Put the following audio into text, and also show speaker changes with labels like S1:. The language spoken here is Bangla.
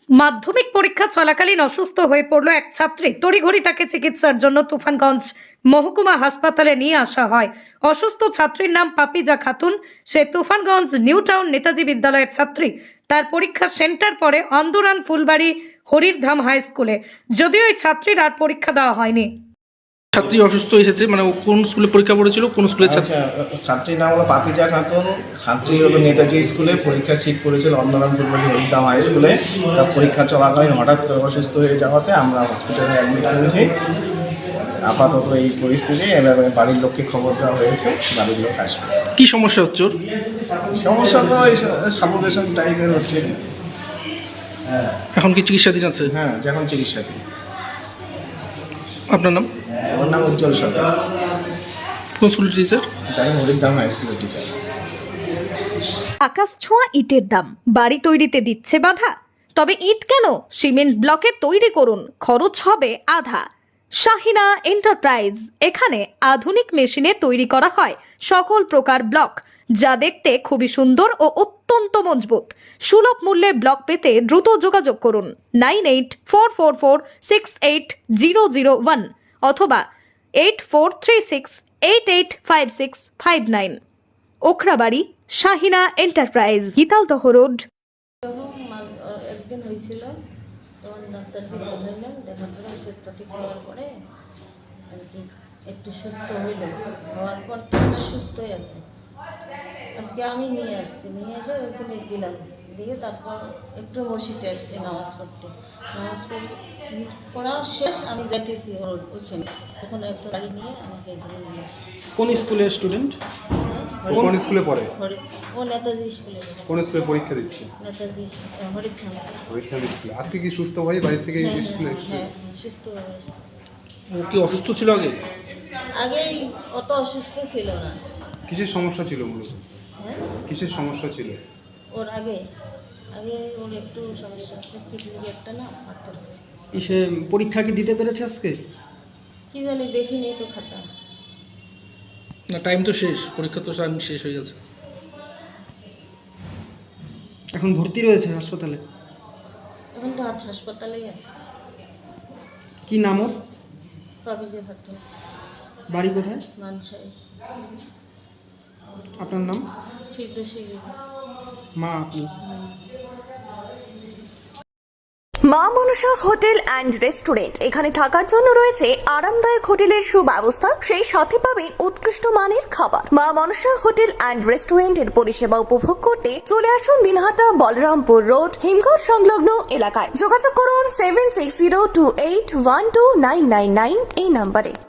S1: মাধ্যমিক পরীক্ষা চলাকালীন অসুস্থ হয়ে পড়ল এক ছাত্রী। তড়িঘড়ি তাকে চিকিৎসার জন্য তুফানগঞ্জ মহকুমা হাসপাতালে নিয়ে আসা হয়। অসুস্থ ছাত্রীর নাম পাপিজা খাতুন। সে তুফানগঞ্জ নিউ টাউন নেতাজি বিদ্যালয়ের ছাত্রী। তার পরীক্ষা সেন্টার পড়ে অন্দরান ফুলবাড়ি হরিরধাম হাই স্কুলে। যদিও এই ছাত্রীর আর পরীক্ষা দেওয়া হয়নি।
S2: ছাত্রী অসুস্থ এসেছে, মানে ও কোন স্কুলে পরীক্ষা পড়েছিল, কোন স্কুলের ছাত্রী?
S3: ছাত্রীর নাম হলো পাপিজা খাতুন। ছাত্রী হলো নেতাজি স্কুলে পরীক্ষার সিট করেছিল অন্দরাম ফুলবাড়ি হরিদাম হাই স্কুলে। তার পরীক্ষা চলাকালীন হঠাৎ করে অসুস্থ হয়ে যাওয়াতে আমরা হসপিটালে অ্যাডমিট করেছি। আপাতত এই পরিস্থিতি, এবার বাড়ির লোককে খবর দেওয়া হয়েছে, বাড়ির লোক আসবে।
S2: কি সমস্যা হচ্ছে ওর?
S3: সমস্যা তো এই সাফোকেশন টাইপের হচ্ছে।
S2: এখন কি চিকিৎসাধীন আছে?
S3: হ্যাঁ, যখন চিকিৎসাধীন।
S2: আপনার নাম?
S3: আমার নাম উজ্জ্বল সরকার।
S2: কোন স্কুলের টিচার?
S3: জানি হরিদাম হাই স্কুলের টিচার।
S1: আকাশ ছোঁয়া ইটের দাম, বাড়ি তৈরিতে দিচ্ছে বাধা। তবে ইট কেন, সিমেন্ট ব্লকে তৈরি করুন, খরচ হবে আধা। শাহিনা এন্টারপ্রাইজ, এখানে আধুনিক মেশিনে তৈরি করা হয় সকল প্রকার ব্লক, যা দেখতে খুবই সুন্দর ও অত্যন্ত মজবুত। সুলভ মূল্যে ব্লক পেতে দ্রুত যোগাযোগ করুন 9844468001 অথবা 8436885659। Okhrabari, Shahina enterprise, Gitaldaha road.
S4: একদিন হয়েছিল, তখন ডাক্তারকে দেখাইলাম, দেখার পরে ওষুধপাতি খাওয়ার পরে আর কি একটু সুস্থ হইল। হওয়ার পর তো সুস্থই আছে। আজকে আমি নিয়ে আসছি, নিয়ে এসে ওইখানে দিলাম, দিয়ে তারপর একটু মসজিদে আসছি নামাজ পড়তে। নামাজ পড়া শেষ, আমি যাইতেছি ওইখানে, তখন একটা গাড়ি নিয়ে আমাকে এখানে নিয়ে আসি।
S2: কোন স্কুলের স্টুডেন্ট?
S5: কোন স্কুলে পড়ে?
S4: ও নেতাজি স্কুলে।
S5: কোন স্কুলে পরীক্ষা দিচ্ছে?
S4: নেতাজি হরিধাম।
S5: পরীক্ষা দিচ্ছে। আজকে কি সুস্থ হয়ে বাড়ি থেকে স্কুলে?
S4: হ্যাঁ, সুস্থ হয়ে আসছে।
S2: ও কি অসুস্থ ছিল আগে?
S4: আগেই অত অসুস্থ ছিল না।
S5: কিসের সমস্যা ছিল মূলত?
S4: হ্যাঁ,
S5: কিসের সমস্যা ছিল?
S4: ওর আগে ওর একটু সমস্যা আছে, কিডনি একটা না পাথর আছে।
S2: সে পরীক্ষা কি দিতে পেরেছে আজকে?
S4: কি জানি, দেখিনি তো খাতা।
S2: না, টাইম তো শেষ, পরীক্ষা তো টাইম শেষ হয়ে গেছে। এখন ভর্তি রয়েছে হাসপাতালে।
S4: এখন তো হাসপাতালেই আছে।
S2: কি নাম ওর?
S4: পাপিজা খাতুন,
S2: বাড়ি কোথায়?
S4: মানসাই।
S2: আপনার নাম?
S4: ফিরদৌসী বিবি।
S2: মা আপনি?
S6: মা মনসা হোটেল অ্যান্ড রেস্টুরেন্ট, এখানে থাকার জন্য রয়েছে আরামদায়ক হোটেলের সুব্যবস্থা, সেই সাথে পাবেন উৎকৃষ্ট মানের খাবার। মা মনসা হোটেল অ্যান্ড রেস্টুরেন্টের পরিষেবা উপভোগ করতে চলে আসুন দিনহাটা বলরামপুর রোড, হিমঘর সংলগ্ন এলাকায়। যোগাযোগ করুন 7602812999 এই নম্বরে।